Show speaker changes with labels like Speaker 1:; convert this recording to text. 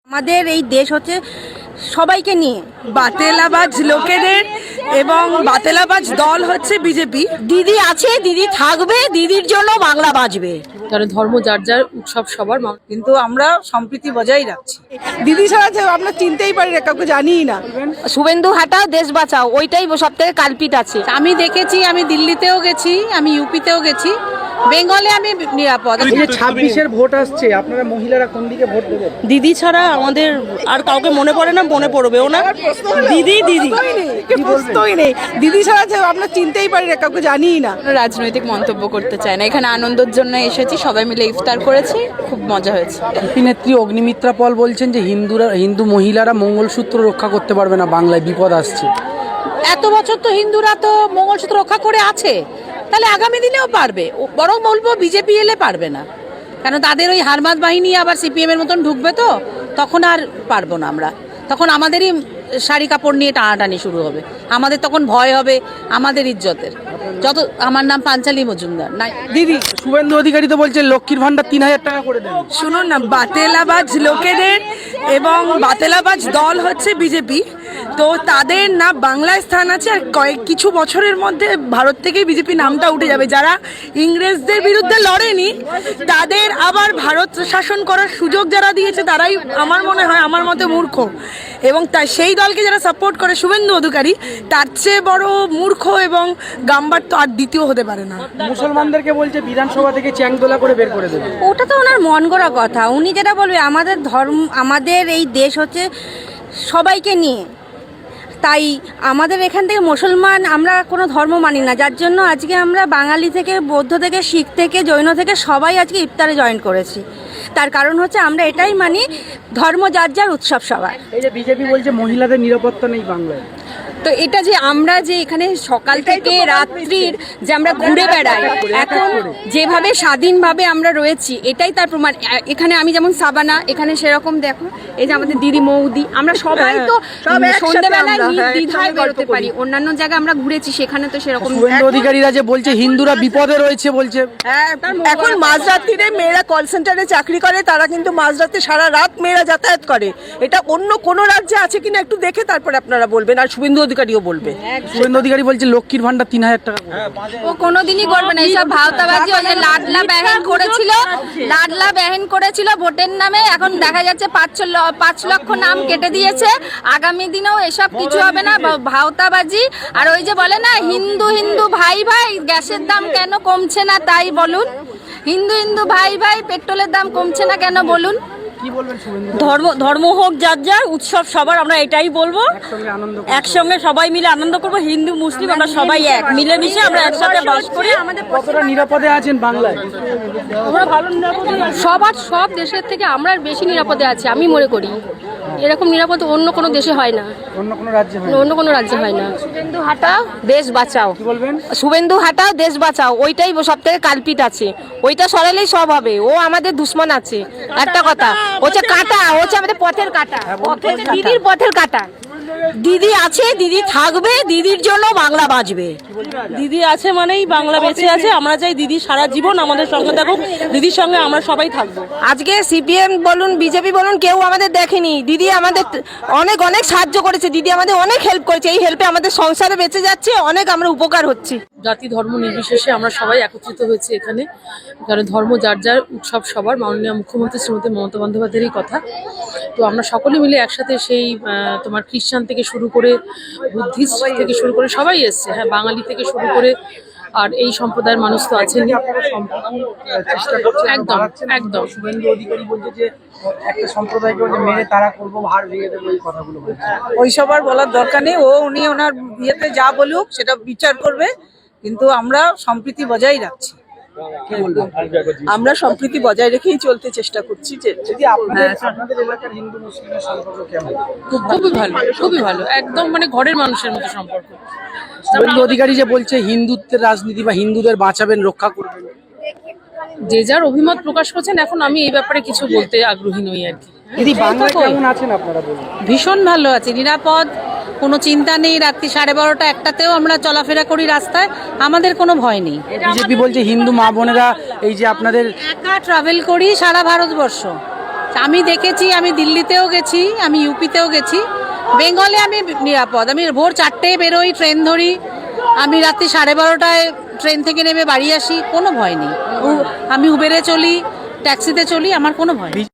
Speaker 1: আমাদের এই দেশ হচ্ছে সবাইকে নিয়ে বাতেলাবাজ লোকেদের এবং বাতেলাবাজ দল হচ্ছে বিজেপি। দিদি আছে, দিদি থাকবে, দিদির জন্য বাংলা বাঁচবে।
Speaker 2: কারণ ধর্ম যার যার, উৎসব সবার,
Speaker 3: কিন্তু আমরা সম্প্রীতি বজায় রাখছি। দিদি ছাড়া আমরা চিনতেই পারি না, কাউকে জানিই না।
Speaker 1: শুভেন্দু হাটাও দেশ বাঁচাও, ওইটাই সব থেকে কালপিট আছে।
Speaker 2: আমি দেখেছি, আমি দিল্লিতেও গেছি, আমি ইউপিতেও গেছি, বেঙ্গলে আমি নিরাপদ।
Speaker 4: 26-এর ভোট আসছে, আপনারা মহিলারা কোন দিকে ভোট দেবেন?
Speaker 5: দিদি ছাড়া আমাদের আর কাউকে মনে পড়ে না, মনে পড়বেও না। দিদি দিদি
Speaker 3: প্রশ্নই নেই, দিদি ছাড়া আমরা চিনতেই পারি না, কাউকে জানিই না।
Speaker 2: রাজনৈতিক মন্তব্য করতে চাই না, এখানে আনন্দের জন্য এসেছি, সবাই মিলে ইফতার করেছি, খুব মজা হয়েছে।
Speaker 4: নেত্রী অগ্নিমিত্রা পল বলছেন যে হিন্দু মহিলারা মঙ্গলসূত্র রক্ষা করতে পারবে না, বাংলায় বিপদ আসছে।
Speaker 2: এত বছর তো হিন্দুরা তো মঙ্গলসূত্র রক্ষা করে আছে, তাহলে আগামী দিনেও পারবে। বরং বলবো বিজেপি এলে পারবে না, কেন তাদের ওই হারমাত বাহিনী আবার সিপিএম এর মতন ঢুকবে, তো তখন আর পারবো না আমরা। তখন আমাদেরই শাড়ি কাপড় নিয়ে টানাটানি শুরু হবে, আমাদের তখন ভয় হবে আমাদের ইজ্জতের। যত আমার নাম পাঞ্চালী মজুমদার না
Speaker 4: দিদি। শুভেন্দু অধিকারী তো বলছে লক্ষ্মীর ভান্ডার 3000 টাকা করে দেন।
Speaker 3: শুনুন না, বাতেলাবাজ লোকেদের এবং বাতেলাবাজ দল হচ্ছে বিজেপি, তো তাদের না বাংলায় স্থান আছে। আর কিছু বছরের মধ্যে ভারত থেকেই বিজেপি নামটা উঠে যাবে। যারা ইংরেজদের বিরুদ্ধে লড়েনি তাদের আবার ভারত শাসন করার সুযোগ যারা দিয়েছে তারাই আমার মনে হয়, আমার মতে মূর্খ। এবং তাই সেই দলকে যারা সাপোর্ট করে শুভেন্দু অধিকারী, তার চেয়ে বড় মূর্খ এবং গাম্বার তো আর দ্বিতীয় হতে পারে না।
Speaker 4: মুসলমানদেরকে বলছে বিধানসভা থেকে চ্যাংদোলা করে বের করে দেবে।
Speaker 1: ওটা তো ওনার মন গড়া কথা। উনি যেটা বলবে, আমাদের ধর্ম, আমাদের এই দেশ হচ্ছে সবাইকে নিয়ে, তাই আমাদের এখান থেকে মুসলমান, আমরা কোনো ধর্ম মানি না, যার জন্য আজকে আমরা বাঙালি থেকে, বৌদ্ধ থেকে, শিখ থেকে, জৈন থেকে সবাই আজকে ইফতারে জয়েন করেছি। তার কারণ হচ্ছে আমরা এটাই মানি, ধর্ম যার যার, উৎসব সবার।
Speaker 4: এই যে বিজেপি বলছে মহিলাদের নিরাপত্তা নেই বাংলায়,
Speaker 2: তো এটা যে আমরা যে এখানে সকাল থেকে রাত্রির যে আমরা ঘুরে বেড়াই, এখন যেভাবে স্বাধীনভাবে আমরা রয়েছি, এটাই তার প্রমাণ। এখানে আমি যেমন সাবানা, এখানে সেরকম দেখো, এই যে আমাদের দিদি মৌদি, আমরা সবাই তো সন্ধ্যেবেলায় নির্দ্বিধায় বেরোতে পারি। অন্যান্য জায়গায় আমরা ঘুরেছি, সেখানে তো সেরকম।
Speaker 4: শুভেন্দু অধিকারীরা যে বলছে হিন্দুরা বিপদে রয়েছে বলছে।
Speaker 3: এখন মাঝরাত্রিরে মেয়েরা কল সেন্টারে চাকরি করে, তারা কিন্তু মাঝরাতে সারা রাত মেয়েরা যাতায়াত করে। এটা অন্য কোনো রাজ্যে আছে কিনা একটু দেখে তারপরে আপনারা বলবেন। আর শুভেন্দু অধিকারীও বলবে।
Speaker 4: শুভেন্দু অধিকারী বলছে লক্ষ্মীর ভান্ডার 3000 টাকা।
Speaker 2: ও কোনোদিনই করবে না এইসব ভাওতাবাজি। ওই যে লাডলা বেহেন করেছিল, লাডলা বেহেন করেছিল ভোটের নামে, এখন দেখা যাচ্ছে 5 লক্ষ নাম কেটে দিয়েছে। আগামী দিনেও এসব কিছু হবে না, ভাওতাবাজি। আর ওই যে বলে না, হিন্দু হিন্দু ভাই ভাই, গ্যাসের দাম কেন কমছে না তাই বলুন। হিন্দু হিন্দু ভাই ভাই, পেট্রোলের দাম কমছে না কেন বলুন।
Speaker 5: ধর্ম হোক যার যার, উৎসব সবার, আমরা এটাই বলবো। একসঙ্গে সবাই মিলে আনন্দ করবো। হিন্দু মুসলিম আমরা সবাই এক, মিলেমিশে আমরা একসাথে বাস করি।
Speaker 4: কতটা নিরাপদে আছেন বাংলায়?
Speaker 5: আমরা ভালো নিরাপদে, সব দেশের থেকে আমরা বেশি নিরাপদে আছি আমি মনে করি। এরকম নিরাপদ অন্য কোনো দেশে হয় না,
Speaker 4: অন্য কোনো রাজ্যে
Speaker 5: হয় না।
Speaker 1: শুভেন্দু হাটাও দেশ বাঁচাও,
Speaker 4: কি বলবেন?
Speaker 1: শুভেন্দু হাটাও দেশ বাঁচাও, ওইটাই সব থেকে কালপিট আছে। ওইটা সরালেই সব হবে। ও আমাদের দুশ্মন আছে, একটা কথা। হচ্ছে কাটা, হচ্ছে আমাদের পথের কাটা, দিদির পথের কাটা। দিদি আছে, দিদি থাকবে, দিদির জন্য বাংলা বাঁচবে।
Speaker 5: দিদি আছে মানেই বাংলা বেঁচে আছে। আমরা চাই দিদি সারা জীবন আমাদের সঙ্গে থাকুক, দিদির সঙ্গে আমরা সবাই থাকবো।
Speaker 1: আজকে সিপিএম বলুন, বিজেপি বলুন, কেউ আমাদের দেখেনি। দিদি আমাদের অনেক অনেক সাহায্য করেছে, দিদি আমাদের অনেক হেল্প করেছে। এই হেল্পে আমাদের সংসারে বেঁচে যাচ্ছে, অনেক আমরা উপকার হচ্ছি।
Speaker 2: জাতি ধর্ম নির্বিশেষে আমরা সবাই একত্রিত হয়েছি এখানে, কারণ ধর্ম যার যার, উৎসব সবার। মাননীয় মুখ্যমন্ত্রী শ্রীমতী মমতা বন্দ্যোপাধ্যায়েরই কথা। তো আমরা সকলে মিলে একসাথে সেই তোমার খ্রিস্টান থেকে শুরু করে, বুদ্ধিস্ট থেকে শুরু করে সবাই এসছে, হ্যাঁ, বাঙালি থেকে শুরু করে। আর এই সম্প্রদায়ের মানুষ তো আছেন। একদম একদম।
Speaker 4: শুভেন্দু অধিকারী বলছে যে একটা সম্প্রদায়কে মেরে তারা করবো, হার ভেঙে দেবো, এই কথাগুলো বলছে।
Speaker 3: ওইসব আর বলার দরকার নেই। উনি ওনার বিয়েতে যা বলুক সেটা বিচার করবে, কিন্তু আমরা সম্প্রীতি বজায় রাখছি। আমরা সম্প্রীতি বজায় রেখেই চলতে চেষ্টা করছি। যে যদি
Speaker 4: আপনাদের এলাকার হিন্দু মুসলিমের সম্পর্ক কেমন?
Speaker 2: খুবই ভালো, খুবই ভালো, একদম মানে ঘরের মানুষের মতো সম্পর্ক।
Speaker 4: শুভেন্দু অধিকারী যে বলছে হিন্দুত্বের রাজনীতি বা হিন্দুদের বাঁচাবেন, রক্ষা করবেন,
Speaker 2: যে যার অভিমত প্রকাশ করছেন। এখন আমি এই ব্যাপারে কিছু বলতে আগ্রহী নই আর কি।
Speaker 4: দিদি বাংলায় কেমন আছেন আপনারা বলুন?
Speaker 2: ভীষণ ভালো আছি, নিরাপদ, কোনো চিন্তা নেই। রাত্রি 12:30 1টাতেও আমরা চলাফেরা করি রাস্তায়, আমাদের কোনো ভয় নেই।
Speaker 4: বিজেপি বলছে হিন্দু মা বোনেরা এই যে আপনাদের
Speaker 2: একা ট্রাভেল করি সারা ভারতবর্ষ,
Speaker 6: আমি দেখেছি, আমি দিল্লিতেও গেছি, আমি ইউপিতেও গেছি, বেঙ্গলে আমি নিরাপদ। আমি ভোর 4টেয় বেরোই, ট্রেন ধরি, আমি রাত্রি 12:30টায় ট্রেন থেকে নেমে বাড়ি আসি, কোনো ভয় নেই। আমি উবেরে চলি, ট্যাক্সিতে চলি, আমার কোনো ভয় নেই।